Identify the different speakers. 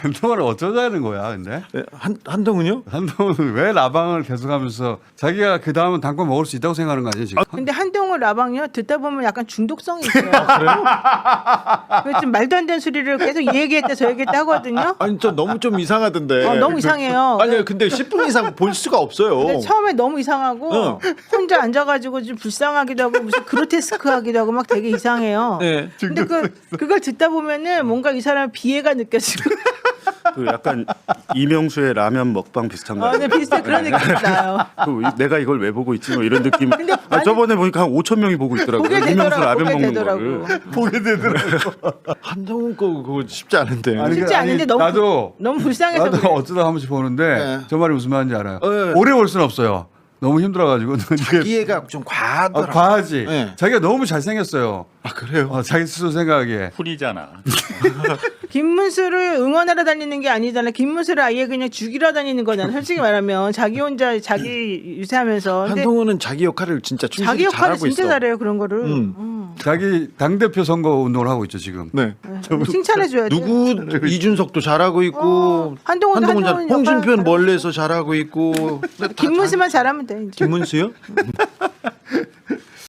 Speaker 1: 한동훈은 어쩌자는 거야, 근데?
Speaker 2: 네, 한동훈요?
Speaker 1: 한동훈은 왜 라방을 계속하면서 자기가 그 다음은 당권 먹을 수 있다고 생각하는 거 아니에요, 지금?
Speaker 3: 근데 한동훈 라방이요 듣다 보면 약간 중독성이 있어요. 그래서 좀 말도 안 되는 소리를 계속 이 얘기했다 저 얘기했다 하거든요.
Speaker 2: 아니 저 너무 좀 이상하던데.
Speaker 3: 너무 이상해요.
Speaker 2: 아니 근데 10분 이상 볼 수가 없어요.
Speaker 3: 근데 처음에 너무 이상하고 혼자 앉아가지고 좀 불쌍하기도 하고 무슨 그로테스크하기도 하고 막 되게 이상해요.
Speaker 2: 네.
Speaker 3: 근데 그걸 듣다 보면은 뭔가 이 사람 비애가 느껴지고.
Speaker 4: 그 약간 이명수의 라면 먹방 비슷한 거.
Speaker 3: 네, 비슷한 그런 느낌이 나요.
Speaker 4: 내가 이걸 왜 보고 있지? 뭐 이런 느낌.
Speaker 3: 근데
Speaker 4: 저번에 보니까 한 5천 명이 보고 있더라고요.
Speaker 3: 보게
Speaker 4: 이명수
Speaker 3: 되더라고,
Speaker 4: 라면
Speaker 3: 보게
Speaker 4: 먹는
Speaker 3: 되더라고.
Speaker 4: 거를.
Speaker 1: 보게 되더라고.
Speaker 2: 한동훈 거 그거 쉽지 않은데.
Speaker 1: 아니,
Speaker 3: 쉽지 않은데 너무
Speaker 1: 나도
Speaker 3: 불쌍해서
Speaker 1: 나도
Speaker 3: 그래.
Speaker 1: 어쩌다 한 번씩 보는데
Speaker 2: 네.
Speaker 1: 저 말이 무슨 말인지 알아요.
Speaker 2: 네.
Speaker 1: 오래 볼 수는 없어요. 너무 힘들어가지고.
Speaker 2: 이해가 좀 과하더라.
Speaker 1: 과하지.
Speaker 2: 네.
Speaker 1: 자기가 너무 잘생겼어요.
Speaker 2: 아 그래요?
Speaker 1: 자기 스스로 생각하기에.
Speaker 4: 풀이잖아.
Speaker 3: 김문수를 응원하러 다니는 게 아니잖아. 김문수를 아예 그냥 죽이러 다니는 거잖아. 솔직히 말하면 자기 혼자 자기 유세하면서. 근데
Speaker 2: 한동훈은 자기 역할을 진짜 충실히
Speaker 3: 자기 역할을
Speaker 2: 잘하고
Speaker 3: 진짜
Speaker 2: 있어.
Speaker 3: 잘해요 그런 거를.
Speaker 1: 자기 당대표 선거 운동을 하고 있죠, 지금.
Speaker 2: 네.
Speaker 3: 칭찬해줘야 돼.
Speaker 2: 누구 이준석도 잘하고 있고
Speaker 3: 한동훈
Speaker 2: 홍준표는
Speaker 3: 역할
Speaker 2: 멀리서 잘하고 있고
Speaker 3: 김문수만 잘하면 돼. 이제.
Speaker 2: 김문수요?